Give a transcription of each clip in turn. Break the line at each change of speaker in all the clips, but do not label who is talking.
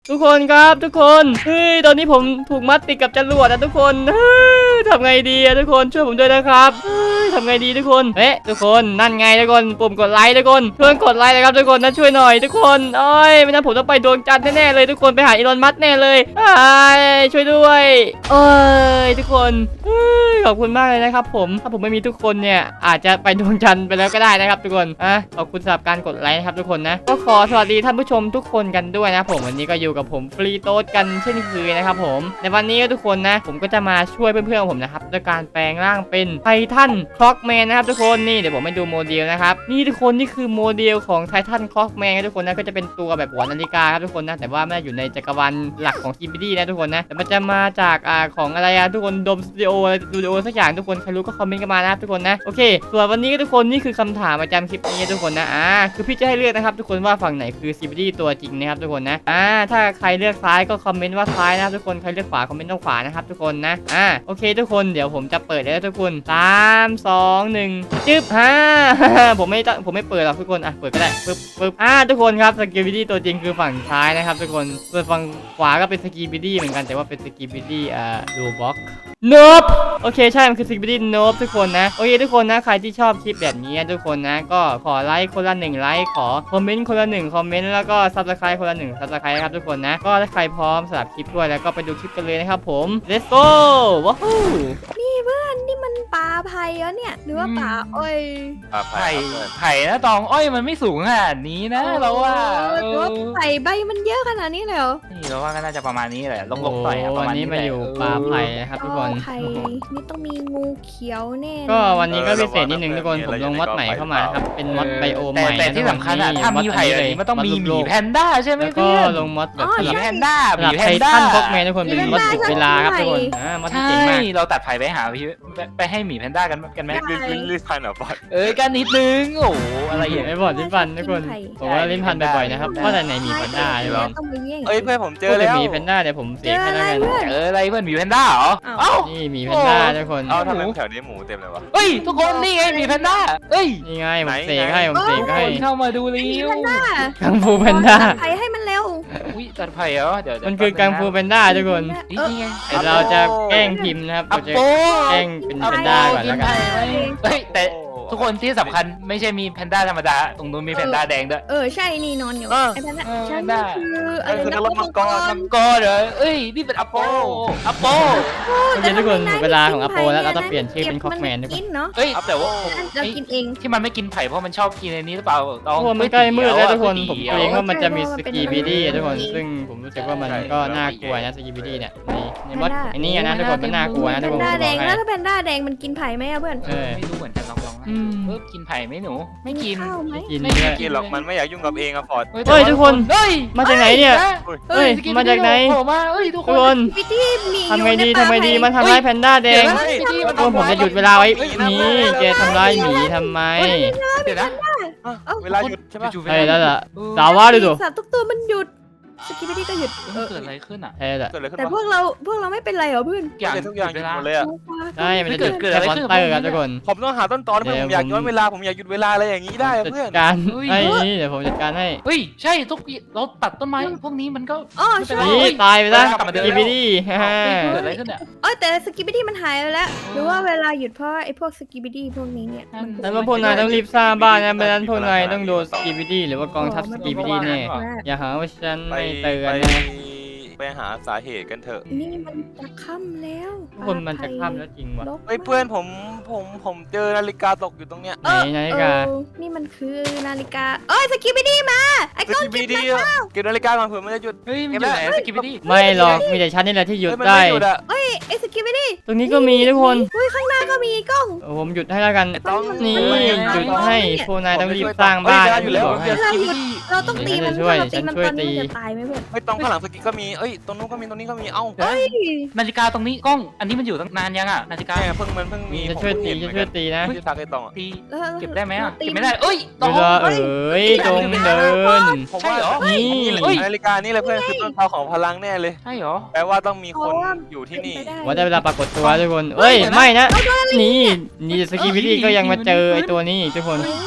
ทุกคนครับทุกคนตอนนี้ผมถูกมัดติดกับจรวดนะทุกคนทำไงดีอะทุกคนช่วยผมด้วยนะครับทำไงดีทุกคนทุกคนนั่นไงทุกคนปุ่มกดไลค์ทุกคนช่วยกดไลค์นะครับทุกคนนะช่วยหน่อยทุกคนไม่งั้นผมต้องไปดวงจันทร์แน่ๆเลยทุกคนไปหาอีลอนมัสก์แน่เลยช่วยด้วยทุกคนขอบคุณมากเลยนะครับผมถ้าผมไม่มีทุกคนเนี่ยอาจจะไปดวงจันทร์ไปแล้วก็ได้นะครับทุกคนขอบคุณสำหรับการกดไลค์นะครับทุกคนนะก็ขอสวัสดีท่านผู้ชมทุกคนกันด้วยนะผมวันนี้ก็อยู่กับผมฟรีโต๊ดกันเช่นเคยนะครับผมในวันนี้ทุกคนนะผมก็จะมาช่วยเพื่อนๆผมนะครับด้วยการแปลงร่างเป็นไททันคล็อกแมนนะครับทุกคนนี่เดี๋ยวผมให้ดูโมเดลนะครับนี่ทุกคนนี่คือโมเดลของไททันคล็อกแมนทุกคนนะก็จะเป็นตัวแบบหัวนาฬิกาครับทุกคนนะแต่ว่าไม่ได้อยู่ในจักรวาลหลักของCBDนะทุกคนนะแต่มันจะมาจากของอะไรทุกคนดมสตูดิโอสักอย่างทุกคนใครรู้ก็คอมเมนต์กันมานะครับทุกคนนะโอเคส่วนวันนี้ทุกคนนี่คือคำถามประจำคลิปนี้ทุกคนนะคือพี่จะให้เลือกนะครับทุกคนว่าฝั่งไหนคือ CBD ตัวจริงนะครับทุกคนนะถ้าใครเลือกซ้ายก็คอมเมนต์ว่าซ้ายนะครับทุกคนใครเลือกขวาคอมเมนต์ว่าขวานะครับทุกคนนะโอเคทุกคนเดี๋ยวผมจะเปิดแล้วทุกคน3 2 1จึ๊บผมไม่เปิดหรอกทุกคนเปิดก็ได้ปึ๊บทุกคนครับสกีบิดี้ตัวจริงคือฝั่งซ้ายนะครับทุกคนส่วนฝั่งขวาก็เป็นสกีบิดี้เหมือนกันแต่ว่าเป็นสกีบิดี้ดูบ็อกโนบโอเคใช่มันคือสกีบิดี้โนบทุกคนนะโอเคทุกคนนะใครที่ชอบคลิปแบบนี้ทุกคนนะก็ขอไลค์คนละ1ไลค์ขอคอมเมนต์คนละ1คอมเมนต์แล้วก็ซับสไครต์คนละ1ซับสไครต์ครับทุกคนนะก็ถ้าใครพร้อมสำหรับคลิปด้วยแล้วก็ไปดูคลิปกันเลยนะครับผม let's go ว้าว
นี่เพื่อนนี่มันป่าไผ่เหรอเนี่ยหรือว่าป่าอ้อย
ไผ่นะตองอ้อยมันไม่สูงขนาดนี้นะเราว่า
หรือว่าไผ่ใบมันเยอะขนาดนี้เลยเหรอ
นี่เราว่าก็น่าจะประมาณนี้แหละลงๆต่อยประมาณนี้
มาอยู่ป่าไผ่ครับทุกคน
ไผ่นี่ต้องมีงูเขียวแน่
ก็วันนี้ก็พิเศษนิดนึงทุกคนผมลงมอดใหม่เข้ามาครับเป็นมอดไบโอใหม่
แต่ที่สำคัญถ้ามีไผ่แบบนี้มันต้องมีหมีแพนด้าใช่ไหม
เพื่อนก็ลงมอดแบบ
หมีแพนด้า
หมีแพนด้าพวกแมนทุกคนเป็นมอดจุดเวลาครับทุกคนมอดที่เจ๋งมาก
เราตัดไผ่ไปหาไปให้หมีแพนด้ากันไหม
ลิ้นพันเหรอบอส
กันนิดนึงโอ้อะไรอย่าง
ไม่บอดลิ้นพันทุกคนผมว่าลิ้นพันบ่อยๆนะครับเพราะแต่ไหนหมีแพนด้าใช่ไหม
เพื่อนผมเจอแล้ว
หมีแพนด้าเดี๋ยวผมเสกให้แล้วกัน
อะไรเพื่อนหมีแพนด้าเหรอ
นี่หมีแพนด้าทุกคน
ทำไมแถวนี้หมูเต็มเลยวะ
ทุกคนนี่ไงหมีแพนด้า
นี่ไงผมเสกให้
เข้ามาดูเร็ว
กังฟูแพนด้า
ไผ่ให้มันเร็ว
ตัดไผ่เหรอเดี๋ยว
มันคือกังฟูแพนด้าทุกคนแต่เราจะแกล้งพิมพ์นะครับเราจะแกล้งเป็นแพนด้าก่อนแล้วกัน
แต่ทุกคนที่สำคัญไม่ใช่มีแพนด้าธรรมดาตรงนู้นมีแพนด้าแดงด้วย
ใช่นี่นอนอยู่ไอ้แพนด้าใช่คืออะไรนะ
มังกรเหรอนี่เป็นอโป
ทุกคนเวลาของอโปแล้วเราต้องเปลี่ยนชื่อเป็นคอกแมนทุกคน
เนาะ
แต่ว่า
เรากินเอง
ที่มันไม่กินไผ่เพราะมันชอบกินในนี้หรือเปล่า
มันใกล้มืดแล้วทุกคนผมเกรงว่ามันจะมีสกีบีดี้ทุกคนซึ่งผมรู้สึกว่ามันก็น่ากลัวนะสกีบีดี้เนี่ยในมดอันนี้นะทุกคนมันน่ากลัวนะทุกคน
แพนด้าแดงแล้วถ้าแพนด้าแดงมันกินไผ่ไหมเพื่อน
ไม่รู้เหมือนกันลองกินไผ่ไหมหนูไม่กิน
ไม่กินหรอกมันไม่อยากยุ่งกับเองอะฟอร์ด
ทุกคนมาจากไหนเนี่ยมาจากไหนทุกคนทำไงดีมันทำร้ายแพนด้าแดงผมจะหยุดเวลาไว้นี่แกทำร้ายหมีทำไม
เดี๋ยวนะ
เวลาหยุดใช่ปะ
ใช่แล้วล่ะสาวว่าดู
สัตว์ทุกตัวมันหยุดสกิปปี้ก็หยุด
เกิดอะไรขึ้นอ่ะ
แต่พวกเราไม่เป็นไรเหรอเพื่อน
ทุกอย่างหยุดหมดเลยอ่ะ
ใช่มันจะเกิดอะไรขึ้นครับทุกคน
ผมต้องหาต้นตอเพื่อนผมอยากย้อนเวลาผมอยากหยุดเวลาอะไรอย่างนี้ได้เพื่อน
การเดี๋ยวผมจัดการให้
ใช่ทุกเราตัดต้นไม้พวกนี้มันก็
ใช่
ตายไปแล้วสกิปปี้
เกิดอะไรขึ้นเนี่ย
แต่สกิปปี้มันหายไปแล้วหรือว่าเวลาหยุดเพราะไอ้พวกสกิปปี้พวกนี้เนี่ย
แล้วพวกนายต้องรีบสร้างบ้านนะไม่งั้นพวกนายต้องโดนสกิปปี้หรือว่ากองทัพสกิปปี้แน่อย่าหาว่าฉันไม่เตือนนะ
ไปหาสาเหตุกันเถอะ
นี่มันจะค่ำแล้ว
คนมันจะค่ำแล้วจริงวะ
เพื่อนผมเจอนาฬิกาตกอยู่ตรงเนี้ย
ไหนนาฬิกา
นี่มันคือนาฬิกาสกิปปี้มาไอ้ก้อนกิน
เก็บนาฬิกาก่อนเผื่อมันจะหยุด
ไม่หยุดไหนสกิปปี้
ไม่หรอกมีแต่ฉันนี่แหละที่หยุดได้
ไอ้สกิปปี้
ตรงนี้ก็มีทุกคน
ข้างหน้าก็มีกล้อง
ผมหยุดให้แล้วกันนี่หยุดให้พวกนายต้องรีบสร้างบ้าน
อยู่แล้ว
เราต้องตีมันช่วยตีตายไหมเพื่อน
ไม่ต้องข้างหลังสกิปก็มีตรงนู้นก็มีตรงนี้ก็มี
นาฬิกาตรงนี้กล้องอันนี้มันอยู่ตั้งนานยังอ่ะนาฬิกา
เพิ่งมี
จะช่วยตีนะ
ที่ทักไอ้ตอง
ตีเก็บได้ไหมเก็บไม่ได้
ตองจงเดิน
ใช่เหรอนี่นาฬิกานี่เลยเพื่อนคือต้นตอของพลังแน่เลย
ใช่เหรอ
แปลว่าต้องมีคนอยู่ที่นี่
ว่าได้เวลาปรากฏตัวทุกคนไม่นะนี่สกีวิตี้ก็ยังมาเจอไอ้ตัวนี้ทุกคน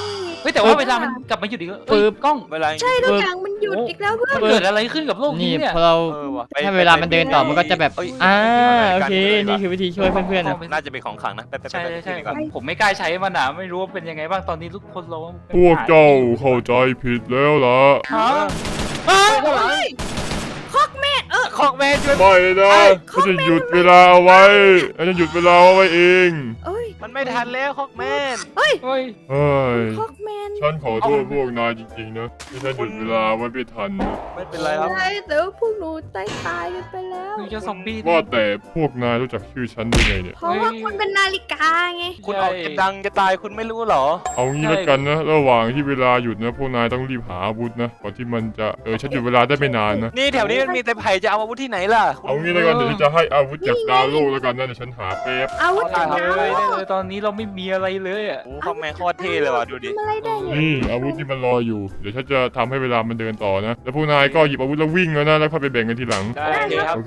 เฮ้ยแต่ว่าเวลามันกลับมาหยุดอีกแล้วกล้อง
เวลา
ใช่ทุกอย่างมันหยุดอีกแล้วเพื่อน
มันเกิดอะไรขึ้นกับโลก
นี่
นี้เนี่ย
พอเรา
ว่ะ
ถ้าเวลามันเดินต่อมันก็จะแบบ
เอ้ย
โอเคนี่คือวิธีช่วยเพื่อนๆนะ
น่าจะเป็นของขลังนะไป
ใช่ใช่
ดีกว่า
ผมไม่กล้าใช้มันอ่ะไม่รู้ว่าเป็นยังไงบ้างตอนนี้ทุกคนเรา
พวกเจ้าเข้าใจผิดแล้วล่ะ
ฮะ
คอกแม่เออ
ของแม่ช่วย
ไม่นะฉันจะหยุดเวลาเอาไว้ฉันจะหยุดเวลาเอาไว้เอง
เอ้ย
มันไม่ทันแล้วของแม่
เฮ้ย
เฮ้ย
คอกแมน
ฉันขอโทษพวกนายจริงๆนะที่ฉันหยุดเวลาไว้ไม่ทันนะ
ไม่เป็นไรครับ
ใช่แต่ว่าพวกหนูตายกันไปแล้ว
คือจะซอมบี้
ว่าแต่พวกนายรู้จักชื่อฉันได้ไงเนี่ย
เพราะว่าคุณเป็นนาฬิกาไง
คุณออกจะดังจะตายคุณไม่รู้เหรอ
เอางี้แล้วกันนะระหว่างที่เวลาหยุดนะพวกนายต้องรีบหาอาวุธนะก่อนที่มันจะฉันหยุดเวลาได้ไม่นานนะ
นี่แถวนี้มันมีแต่ไผ่จะเอาอาวุธที่ไหนล่ะ
เอางี้แล้วกันเดี๋ยวฉันจะให้อาวุธจากดาวโลกแล้วกันนะเดี๋ยวฉันหาแป๊บ
อาวุธ
ได้
จาก
เล
ดาวย
ได้เลยตอนนี้เราไม่มีอะไรเลยอ่ะ
โอ้ของแม่โคตรเท่เลยว่ะดูดิ
ทำอะไรได้เนี่ย
นี่อาวุธที่มันรออยู่เดี๋ยวฉันจะทำให้เวลามันเดินต่อนะแล้วพวกนายก็หยิบอาวุธแล้ววิ่งแล้วนะแล้วค่อยไปแบ่งกันทีหลัง
ได้เลยครับ
โอเค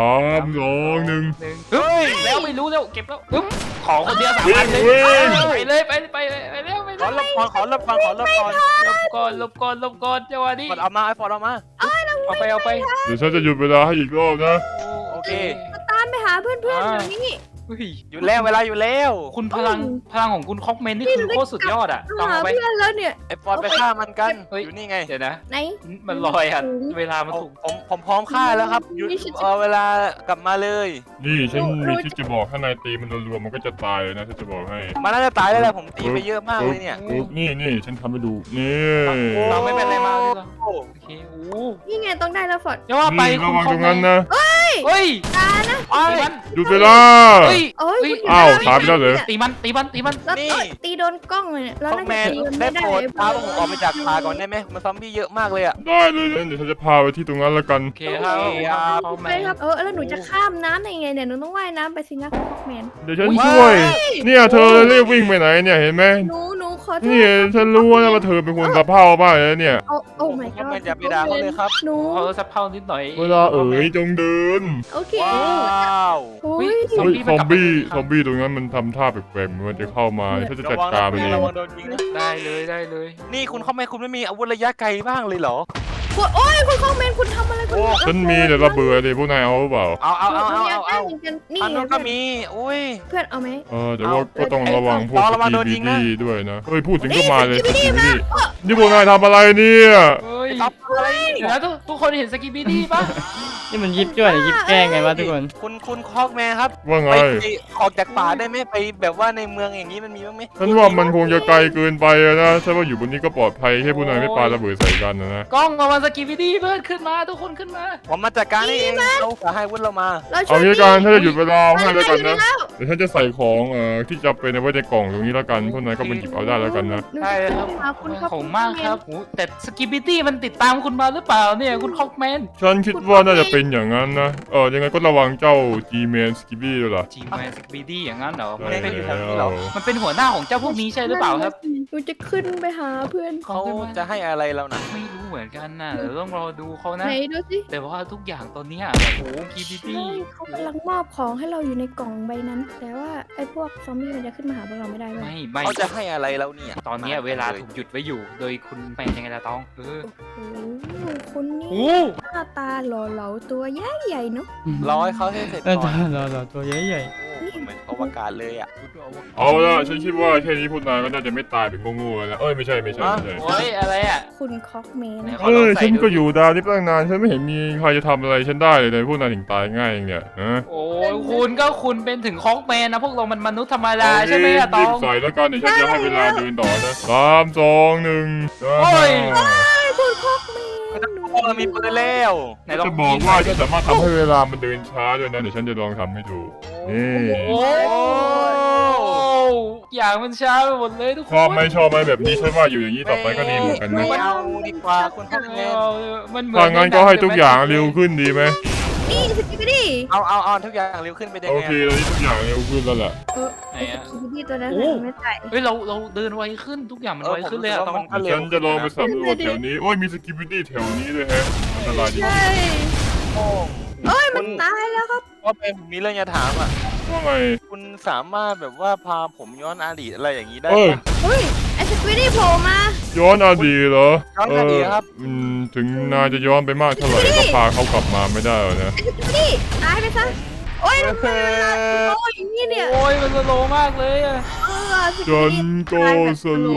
3 2 1
เฮ้ยแล้วไม่รู้แล้วเก็บแล้วปึ๊บของคนเดียว3 อันเลย
วิ่ง
ไปเลยไปเร็วไป
ขอรับก่อนขอรับก่อนขอรับก่อน
ลบก่อนจังหวะนี้
ฟอดเอามาไอ้ฟอดเอามา
เอาไป
เดี๋ยวฉันจะหยุดเวลาให้อีกรอบนะ
โอเค
ตามไปหาเพื่อนๆเดี๋ยวนี้
เฮ้ย
อยู่แล้วเวลาอยู่แล้ว
คุณพลังของคุณคอกเมนนี่คือโคตรสุดยอดอ่ะต้อง
หา
เอาไป
เพื่อนแล้วเนี่ย
ไอ้ฟอดไปฆ่ามันกัน
เฮ้ย
อยู่นี่ไง
เดี๋ยวนะ
ไหน
มันลอยอ่ะเวลามันถูก
ผมพร้อมฆ่าแล้วครับหยุดเวลากลับมาเลย
นี่ฉันมีที่จะบอกถ้านายตีมันรวมๆมันก็จะตายเลยนะฉันจะบอกให้
มันน่าจะตายแล้วแหละผมตีไปเยอะมากเลยเนี่ย
นี่ฉันทำให้ดูนี่
เราไม่เป็นไรมาเลยเหรอ
โอ้
โอเคโอ้
นี่ไงต้องได้แล้วฟอร์ด
จะว่าไป
นี่ระวังตรงนั้นนะ
เฮ้ย
ตานะ
ตีมัน
หยุดเวลา
เฮ้ย
โอ้ย
อ้าวตายไปแล้วเหรอ
ตีมัน
แล้วตีโดนกล้องเลยเนี่ยแล้ว
ของ
น่า
แม
จะ
น
ตีมัน
ได้
ไม่ได้
โปรดพาผมออกไปจากป่าก่อนได้ไหมมันซอมบี้เยอะมากเลยอ่ะ
ได้เลยเดี๋ยวฉันจะพาไปที่ตรงนั้นแล้วกัน
โอเคครับคอกแม
ไป
น
ครับแล้วหนูจะข้ามน้ำได้ยังไงเนี่ยหนูต้องว่ายน้ำไปสินะคอกแมน
เดี๋ยวฉันช่วย เนี่ยเธอรีบวิ่งไปไหนเนี่ยเห็นไหม
หนูขอโท
นี่
ษ
ฉันรู้ว่าเธอเป็นคนสะเพร่ามากเลยเนี่ย
โอ้ my
ของ
god
แมนอย่าไปด่าเขาเลยครับ
หนู
เขาสับเพ่านิดหน่อย
เวลาจงเดิน
โอเค
ว้าว
โอ้ย
ซอมบี้ตรงนั้นมันทำท่าแปลกๆมันจะเข้ามาฉันจะจัดการมันเอง
ระวังโดนยิงนะ
ได้เลย
นี่คุณเขาไม่มีอาวุธระยะไกลบ้างเลยเหรอ
โอ้ยคุณคอกแมนคุณทำอะไรคุณ
ฉันมีแต่ระเบิดเลยพวกนายเอาหรือเปล่า
เอา
นี่
อันนู้นก็มีอุ้ย
เพื่อนเอาไหม
แต่ว่าก็ต้องระวังพวก
ระวังโดนยิงนะ
SKBD ด้วยนะเฮ้ยพูดถึงก็มาเลย SKBD นี่พวกนายทำอะไรเนี่ย
เฮ้ย
ตับอะไร
เดี๋ยวนะทุกคนเห็นสกิบิดี้ป่ะ
นี่มันยิบจ้วยหรือยิบแกล้งไงวะทุกคน
คุณคอกแมนครับ
ว่าไง
ไปออกจากป่าได้ไหมไปแบบว่าในเมืองอย่างนี้มันมีบ้างไหม
ฉันว่ามันคงจะไกลเกินไปนะฉันว่าอยู่บนนี้ก็ปลอดภัยแค่พวกนายไม่ปาระเบิดใส่กันนะ
กล้องมาสกิบิดี้เพื่อนขึ้นมาทุกคนขึ้นมา
ผมมาจัดการเองเราจะให้วุ้นเรามา
เอางี้กันถ้าจะหยุดเวลาให้แล้วกันนะเดี๋ยวฉันจะใส่ของที่จะเป็นเอาไว้ในกล่องตรงนี้แล้วกันพวกนายก็ไปหยิบเอาได้แล้วกันนะ
ใช่ครับ
คุณครับ
ผมมากครับโหแต่สกิบิดี้มันติดตามคุณมาหรือเปล่าเนี่ยคุณคอกแมน
ฉันคิดว่าน่าจะเป็นอย่างนั้นนะยังไงก็ระวังเจ้า G-Man Skibby ด้วยล่ะ
จีแมนสกิบิดี้อย่างนั้นเหรอ
ได้
เหรอ
มันเป็นหัวหน้าของเจ้าพวกนี้ใช่หรือเปล่าครับ
หนูจะขึ้นไปหาเพื่อน
เขาจะให้อะไรเรานะ
ไม่รู้เหมือนกันนะเดี๋ยวต้องรอดูเขานะ
ไหนดูสิ
แต่ว่าทุกอย่างตอนเนี้ยแบบโอ้สกิบิดี้
เขากำลังมอบของให้เราอยู่ในกล่องใบนั้น แต่ว่าไอ้พวกซอมบี้มันจะขึ้นมาหาพวกเราไม่ได้เลย
ไม่
เขาจะให้อะไรเราเนี่ย
ตอนเนี้ยเวลาถูกหยุดไว้อยู่ โดยคุณแมนยังไงล่ะตอง
โอ้โหคุณนี่
โอ้
หน้าตาหล่อเหลาตัวใหญ่ๆเนาะ
รอให้เขาให้เสร็จ
เออ
ก่อน
เราตัวใหญ่
โอ้เหมือนอวกาศเลยอ่ะ
เอาละฉันคิดว่าแค่นี้พวกนายก็น่าจะไม่ตายเป็นโง่ๆแล้วไม่ใช่
โอ้ยอะไรอ่ะ
คุณคอกแมน
ฉันก็อยู่ดาวนี้ตั้งนานฉันไม่เห็นมีใครจะทำอะไรฉันได้เลยพวกนายถึงตายง่ายอย่างเนี่ยฮะ
โอ้ยคุณเป็นถึงคอกแมนนะพวกเรามันมนุษย์ธรรมดาใช่ไหมอะต
รี
อบ ง
ใส่แล้วกันเดี๋ยวฉันจะให้เวลาเดินต่อนะ3 2 1
โอ้ย
คุณคอกแมน
พวกเรามีปืนแล้ว
ไหนลอง
จะบอกว่าฉันสามารถทำให้เวลามันเดินช้าด้วยนะเดี๋ยวฉันจะลองทำให้ดูนี่
โอ้อย่างมันช้าไปหมดเลยทุกคน
ชอบไหมแบบนี้ฉันว่าอยู่อย่างนี้ต่อไปก็ดีเหมือนกันนะ
ไม่เอาดีกว่าคุณคอกแมน
มันเหมือน
ถ้างั้นก็ให้ทุกอย่างเร็วขึ้นดีไหม
นี่สกิปปี้
เอาทุกอย่างเร็วขึ้นไปได้
โอ
ไง
เคตอนนี้ทุกอย่างเร็วขึ้นแล้วแหละ
ไหน
ไอ้
อะ
สกิปปี้ตัวนั้นไม่ตาย
เฮ้ยเราเดินไวขึ้นทุกอย่างมันไวขึ้นเลยอะตอง
เดี๋ยวฉันจะลองไปสำรวจแถวนี้โอ้ยมีสกิปปิตี้แถวนี้ด้วยแฮะอันตรายดี
ใช่
โอ้
เอ้ยมันตายแล้วครับ
ว่าเป็นผมมีเรื่องจะถามอ่ะ
ว่าไง
คุณสามารถแบบว่าพาผมย้อนอดีตอะไรอย่างนี้ได้
เอ้ย
ปะ
เฮ้ยไอ้สควิดดี้โผล่มา
ย้อนอดีตเหรอ
ย้อนอดีตครับ
ถึงนายจะย้อนไปมากเท่าไหร่ก็พาเขากลับมาไม่ได้หรอกนะ
ไอ้สควิดดี้ตายไปซะโอ้ยทำไมเวลาโอ้ยอย่างนี้เนี่ย
โอ้ยมันสโลว์มากเลยอะ
สค
จ
วิด
น
ดี้
ก็
ตายแบบ
สโล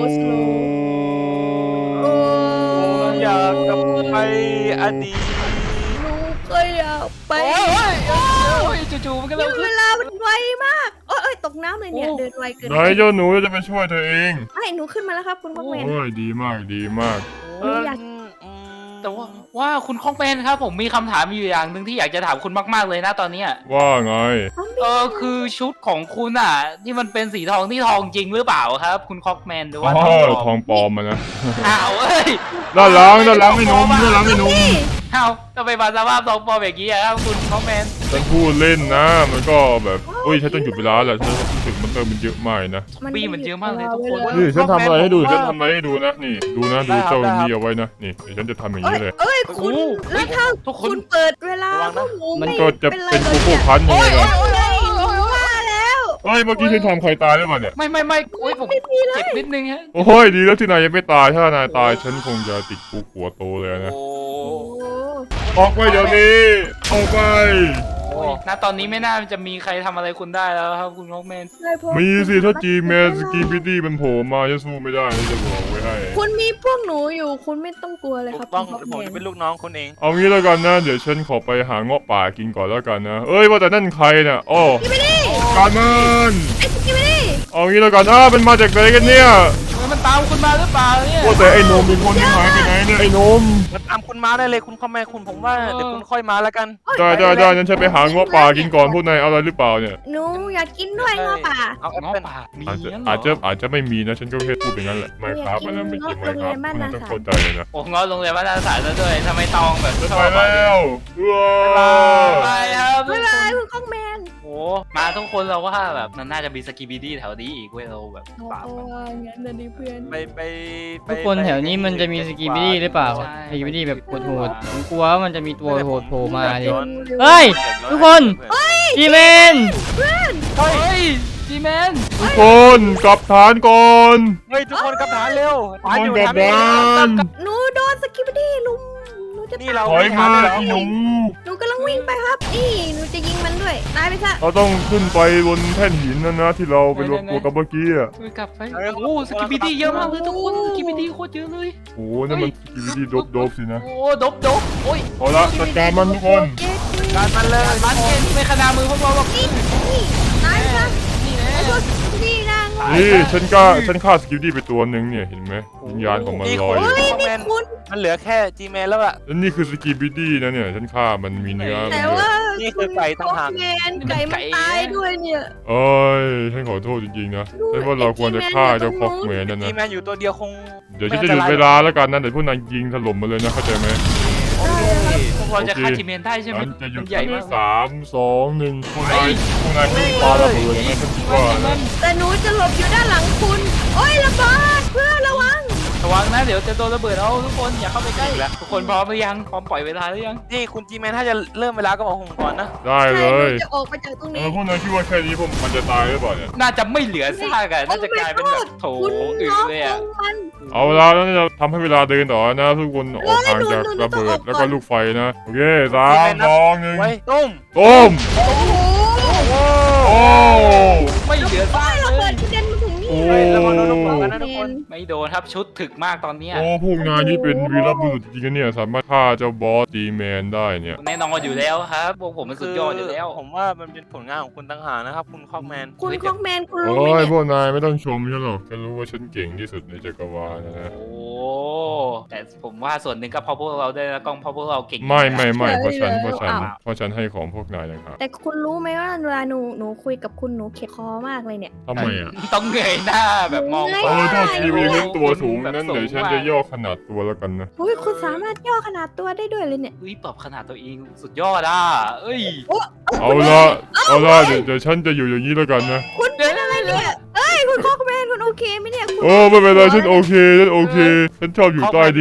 โอ้
อยากกลับไปอดีต
หนูก็อยากไป
โอ้ยจู่ๆมันก็เร็วขึ้
เวน ลามันไวมากโอ้ยตกน้ำเลยเนี่ยเดินไวเกิน
ไหนเจ้าหนูจะไปช่วยเธอเอง
ให้หนูขึ้นมาแล้วครับคุณพ่อแม่
โอ้ยดีมากดีมาก
อยาก
แต่ว่าคุณคองแมนครับผมมีคำถามอยู่อย่างหนึ่งที่อยากจะถามคุณมากๆเลยนะตอนเนี้ย
ว่าไง
คือชุดของคุณอ่ะที่มันเป็นสีทองที่ทองจริงหรือเปล่าครับ คุณคอกแมนหรือว่า
อ๋อ
ทองปลอม
ทองปลอมมานะ
อ้าวเอ้ย
ด้านหลังไม่นุ่มด้านหลังไม่นุ่ม
อ้าวทำไมมาสภาพทองปลอมแบบนี้อะครับคุณคอกแมน
ฉันพูดเล่นนะ มันก็แบบอุ้ยฉันต้องหยุดเวลาแหละฉันรู้สึกมันมันเยอะมากนะ
ปีมันเยอะมากเลยทุกคน
นี่ฉันทำอะไรให้ดูฉันทำอะไรให้ดูนะนี่ดูนะดูเจ้านี่เอาไว้นะนี่เดี๋ยวฉันจะทำอย่างนี้เลย
เอ้ยคุณแล้วถ้า
ทุกค
คุ
น
ณเปิดเวลาพวกหนู
มัน
ไม่
ก็จะ
เป็นไร
เป็น
เล
โก
ย
โก้
เนี่ย
พันยังไงล่ะ
โอ้ยหนูว่าแล้ว
เฮ้ยเมื่อกี้ฉันทำใครตายหรือเปล่าเนี่ย
ไม่โอ้ยผมเจ็บนิดนึงฮะ
โอ้ยดีแล้วที่นายยังไม่ตายถ้านายตายฉันคงจะติดคุกหัวโตเลยนะ
โอ้
โอ้
ออกไปเดี๋ยวนี้ออกไป
โอ้ยณตอนนี้ไม่น่าจะมีใครทำอะไรคุณได้แล้วครับคุณคอกแมน
เลยพวก
มีสิถ้าจีแมนสกีบิดี้มันโผล่มาจะสู้ไม่ได้นะจะบอกไว้ให้
คุณมีพวกหนูอยู่คุณไม่ต้องกลัวเลย
ถู
ครับ
กต้อง
คุณ
ผม
พ่อ
จะ
แม่
เป็นลูกน้องคุณเอง
เอางี้แล้วกันนะเดี๋ยวฉันขอไปหาเงาะป่ากินก่อนแล้วกันนะเอ้ยว่าแต่นั่นใครน่ะอ้อการมัน
ไอ้สกิปปี้
เอางี้แล้วกันมันมาจากไหนกันเนี่ย
เฮ้ยมันตามคุณมาหรือเปล่าเนี่ย
ว่าแต่ไอ้นมเป็นคนที่หายไปไหนเนี่ยไอ้นม
มันตามคุณมาได้เลยคุณคอมแมนคุณผมว่าเดี๋ยวคุณค่อยมาแล้วกัน
ได้งั้นฉันไปหาเงาะป่ากินก่อนพวกนายเอาอะไรหรือเปล่าเนี่ย
หนูอยากกินด้วยง้อป่า
เอาแอป
ง้อ
เปิ้ล
ป่ามี
อาจจะ
งั้นเหร
อาจจะไม่มีนะฉันก็แค่พูดอย่างนั้นแหละไม่ครับมันไม่เกี่ยวไม่ครับมันต้องเข้าใจเลยนะ
โอ้ง้อโรงเรียนวัฒนศาสตร์ซะด้วยทำไมตองแบบ
ไป
ชอบ
แล้วว้า
ไปครับ
บ๊ายบายคุณข้องแมน
โอ้มาทุกคนเราว่าแบบมันน่าจะมีสกีบีดี้แถวนี้อีกเว้ยเราแบบ
โอ้
ปราบมัน
งั้นนะดิเพื่อน
ไป
ทุกคนแถวนี้มันจะมีสกีบิดี้หรือเปล่า
ใช่
สกีบิดี้แบบโหดๆผมกลัวว่ามันจะมีตัวโหดโผล่มาดิ
ย้อน
เฮ้ย ทุกคนจีแมน
เฮ้ยจีแมน
ทุกคนกลับฐานก่อน
เฮ้ยทุกคนกลับฐานเร็ว
ทุก
ฐาน
คน
อยู่
กลับ
ฐาน
ฐาน
หนูโดนสกิปปี้ลุมหนูจะ
นี่เรา
ถอยมาไอ้หนู
หนูกำลังวิ่งไปครับนี่หนูจะยิงมันด้วยตายไปซะ
เราต้องขึ้นไปบนแท่นหินนั่นนะที่เราไปรวมตัวกันเมื่อกี้อ่ะ
เฮ้ยกลับไปโอ้สกีบีดี้เยอะมากเลยทุกคนสกีบีดี้โคตรเยอะเลย
โอ้นั่นมันสกิลดี้โดบๆสินะ
โอ้ดบโอ้ย
เอาละจัดการมันทุกคน
เจ๊คุย
การมันเลย
มันเกนไม่ขนามือพวกเราหรอก
นี่ตายไปซะ
นี่แน่
ไอ้พวกนี่นาง
นี่ฉันฆ่าสกิลดี้ไปตัวหนึ่งเนี่ยเห็นไหมวิญญาณของมันลอยอยู่
เฮ้ยนี่คุณ
มันเหลือแค่จีแมนแล้วอะ
แล้วนี่คือสกิลดี้นะเนี่ยฉันฆ่ามันมีเนื้อมัน
แต่
ด้วย
ว่า
นี่คือไก่ต่างหาก
แมนไก่มันตายด้วยเนี่ย
เอ้ยฉันขอโทษจริงๆนะฉันว่าเราควรจะฆ่าเจ้าคอกแมนนั่น
จี
นะ
แมนอยู่ตัวเดียวคง
เดี๋ยวฉันจะหยุดเวลาแล้วกันนะเดี๋ยวพวกนายยิงถล่มมาเลยนะเข้าใจไหม
พวกเราจะฆ่าจีแมนได้ใช่ไหม
ฉันจะหยุ
มั
ด
นใหญ่มาก
3 2 1พวกนายวิ่งปาระเบิดนะฉันคิดว่านะ
แต่หนูจะหลบอยู่ด้านหลังคุณ โอ้ยระเบิดเพื่อนระวัง
ระวังนะเดี๋ยวจะโดนระเบิดเอาทุกคนอย่าเข้าไปใกล้ทุกคนพร้อมหรือยังพร้อมปล่อยเวลาหรือยัง
นี่คุณจีแมนถ้าจะเริ่มเวลาก็บอกผมก่อนนะ
ได้เล
ใช่ห
ย
นูจะออกไปจากตรงนี้
พวกนายคิดว่าแค่นี้พวกมันจะตายหรือเปล่าเนี่ย
น่าจะไม่เหลือซากอะน่าจะกลายเป็นแบบโถ
คุณ
อึ
น้อง
เลย
ข
อะ
องมัน
เอาละแล้วจะทำให้เวลาเดินต่อนะทุกคนออกห่างจากระเบิดแล้วก็ลูกไฟนะโอเค3 2
ไว้ตุ้ม
1ตุ้ม
โอ้โห
โอ้
ไม่เหลือซาก
ระ
เล
เบิ
ย
ดกระเด็นมาถึงนี่
โอ้
ระวังโดนระเบิดกันนะทุกคน
ไม่โดนครับชุดถึกมากตอนเนี้ย
โอ้พวกนายนี่เป็นวีรบุรุษจริงๆเนี่ยสามารถฆ่าเจ้าบอสดีแมนได้เนี่ย
แน่นอนอยู่แล้วครับพวกผมมันสุดยอดอยู่แล้ว
ผมว่ามันเป็นผลงานของคุณต่างหากนะครับคุณคอกแมน
คุณคอกแมนคุณรู้
โอ้
ไหม
ยพ
เนี่ยว
กนายไม่ต้องชมฉันหรอกฉันรู้ว่าฉันเก่งที่สุดในจักรวาลนะ
โอ้แต่ผมว่าส่วนหนึ่งก็เพราะพวกเราด้วยนะกล้องเพราะพวกเราเก่ง
ไม่เพราะฉันให้ของพวกนายนะครับ
แต่คุณรู้ไหมว่าเวลาหนูคุยกับคุณหนูเข็ดคอมากเลยเนี่ย
ทำไมอ่ะ
ต้องเงยหน้าแบบมอง
เงย
โอ้
หน้า
ถ้าทีวีเล่นตัวสูงนั้นเดี๋ยวฉันจะย่อขนาดตัวแล้วกันนะ
อุ้ยคุณสามารถย่อขนาดตัวได้ด้วยเลยเนี่ย
อุ้ยปรับขนาดตัวเองสุดยอดอ่ะเอ้ย
เอาละเดี๋ยวฉันจะอยู่อย่างนี้แล้วกันนะ
คุณเป็นอะไรเนี่ยเอ้ยคุณคอกแมนคุณโอเคไหมเนี่ยคุณ
โอ้ไม่เป็นไรฉันโอเคฉันชอบอยู่ใต้ดิน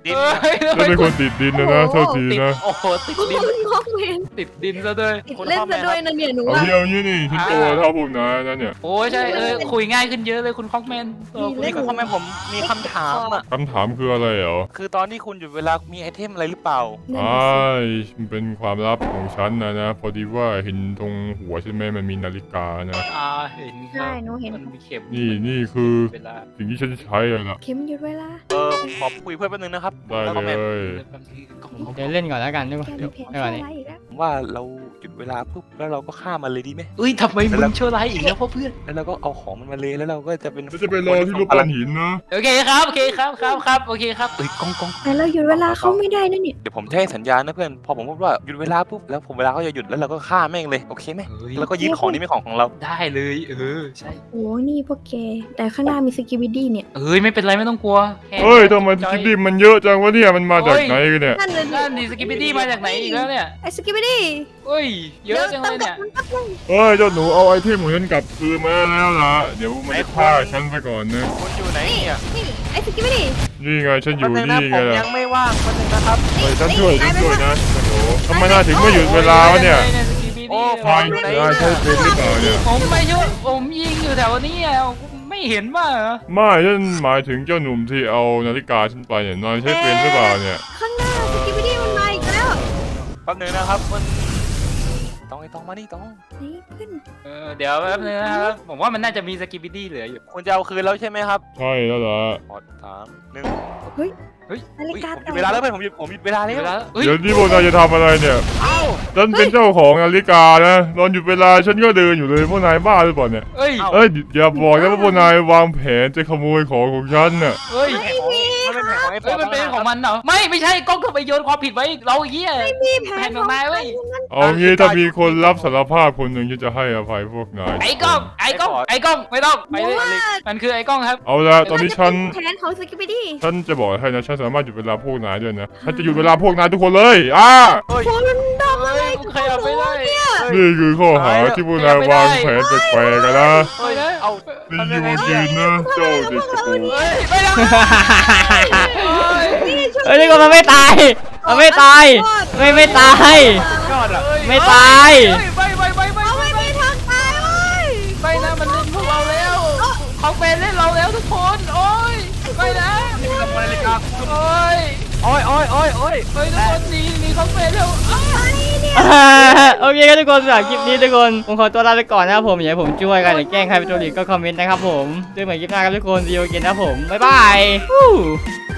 ดิน
ฉันเป็นคนติดดินนะโทษที
ติด
นะ
โอ้โหติด
คุณ
ดิน
งอกเวน
ติดดินซะด้วย
ติดเล่นซะด้วยนะเนี่ยหนู
เอา
ว่า
เที่ยวนี้นี่ฉันโตเท่าพวกนายนะเนี่ย
โอ้ยใช่คุยง่ายขึ้นเยอะเลยคุณคอกแมน
นี่ก็ทำไมผมมีคำถามอ่ะ
คำถามคืออะไรเหรอ
คือตอนที่คุณหยุดเวลามีไอเทมอะไรหรือเปล่า
มันเป็นความลับของฉันนะพอดีว่าเห็นตรงหัวใช่ไหมมันมีนาฬิกานะ
เห็น
ใช่หนูเห็น
มันมีเข็ม
นี่คือ
เวลา
สิ่งที่ฉันใช้เลยนะ
เข็มหยุดเวลา
ผมขอคุยเพื่อนแป๊บนึงนะครับ
ได้
แล้วก็แมน
เลย
เดี๋ยวเล่นก่อนแล้วกันทุกคน
แก
เดี๋
มี
ยว
แผน
ไม่ไหว
ชั่ว
นี่
ร้ายอีกแล้ว
ผมว่าเราหยุดเวลาปุ๊บแล้วเราก็ฆ่ามันเลยดีไหม
เอ้ยทำไมมึงชั่วร้ายอีกแล้วพ่อเพื่อน
แล้วเราก็เอาของมันมาเลยแล้วเราก็จะเป็น
ฉันจะไปรอที่รูปปั้นหินนะ
โอเคครับโอเคครับโอเคครับ
เอ้ยกอง
แต่เราหยุดเวลาเขาไม่ได้นะเนี่ย
เดี๋ยวผมจะให้สัญญาณนะเพื่อนพอผมพูดว่าหยุดเวลาปุ๊บแล้วผมเวลาเขาจะหยุดแล้วเราก็ฆ่าแม่งเลยโอเคไหมแล้วก็ยึดของนี้เป็นของเรา
ได้เลยใช่
โอ้นี่พวกแก แต่ข้างหน้ามีสกิบิดี้เนี่ย
ไม่เป็นไรไม่ต้องกลัว
เฮ้ยทำไมสกิปดิมันเยอะจังวะเนี่ยมันมาจากไหนกันเนี่ย
นั่นเลย
นั่นดิสกิปปี้มาจากไหนอีกแล้วเนี่ย
ไอ้สกิบิดี้
เอ้ยเยอะจังเลยเนี่ย
เฮ้ยเจ้าหนูเอาไอเทมของฉันกลับคืนมาแล้วล่ะเดี๋ยวมันจะฆ่าฉันไปก่อนนะ
คุณอยู่ไหนเนี่ย
นี่ไอ้สกิบิดี้
นี่ไงฉันอยู่
แป๊บนึงนะ
นี่
ผ
ไง
ม
ล่ะ
ยังไม่ว่างแป๊บนึงนะครับ
เฮ้ยฉันช่วยนะโอ้โหทำไมน่าถึงไม่หยุดเวลาวะเนี่ย
โอ้
ใช่ใช่เป็นหรือเปล่าเนี่ย
ผมไม่ช่วยผมยิงอยู่แถวนี้ไม่เห็นว่า
ไม่ฉันหมายถึงเจ้าหนุ่มที่เอานาฬิกาฉันไปเนี่ยนายใช้เป็นหรือเปล่าเนี่ย
ข้างหน้าสกิบิดี้มันมาอีกแล้ว
แป๊บนึงนะครับมันต้องมานี่ต้อง
นี่เพื่อน
เดี๋ยวแป๊บนึงนะครับผมว่ามันน่าจะมีสกิปปี้เหลืออยู่
คุณจะเอาคืนแล้วใช่ไหมครับ
ใช่แล้วล่ะ
ขอ3 1
นาฬิกา
ผมหยุดเวลาแล้วเพื่อนผมหยุดเวลาแล้ว
เดี๋ยวนี่พวกนายจะทำอะไรเนี่ยฉันเป็นเจ้าของนาฬิกานะตอนหยุดเวลาฉันก็เดินอยู่เลยพวกนายบ้าหรือเปล่าเนี่ย
เอ้ย
เอ้ยอย่าบอกนะว่าพวกนายวางแผนจะขโมยของของฉันน่ะ
เอ้ย
มันเป็นแผนของไอ้
มันเป็นของมันเหรอไม่ใช่กล้องทำไมโยนความผิดไว้เราเหี้ย
มีแผ
แผ
น
น
ข
ข
อ
อง งนายเว้ย
เอางี้ถ้ามีคนรับสารภาพคนหนึ่งฉันจะให้อภัยพวกนาย
ไอ้กล้องไม่ต้องไปเลยมันคือไอ้กล้องครับ
เอาละตอนนี้ฉัน
แผนของสกิบิดี้
ฉันจะบอกให้นะฉันสามารถหยุดเวลาพวกนายด้วยนะฉันจะหยุดเวลาพวกนายทุกคนเลย
คุณทำอะไร
มึงขยับไม่ได้
นี่คือข้อหาที่พวกนายวางแผนแปลกๆกันนะ
เฮ้ยนะ
เอา
นี่อยู่ยืนนะเจ้าเด็กกระโปรง
เฮ้ยไม่ได้
เฮ้ยทุกคนมันไม่ตายมันไม่ตายไม่ตาย
ยอดอ่ะ
ไม่ตาย
ไม่มีทางตายเว้ย
ไม่นะมันเล่นพวกเราแล้วเขาเป็นเล่นเราแล้วทุกคนโอ้ยไม่นะ
นี่เป็นขโมยนาฬิกา
โอ้ย
โอ้ย
เฮ้ยทุกคนหนีเขาเป็นแล้ว
โอเคครับทุกคนสำหรับคลิปนี้ทุกคนผมขอตัวลาไปก่อนนะครับผมอยากให้ผมช่วยกันหรือแกล้งใครเป็นตัวหลีกก็คอมเมนต์นะครับผมเจอกันใหม่คลิปหน้าครับทุกคนดีโอเกนนะครับผมบ๊ายบาย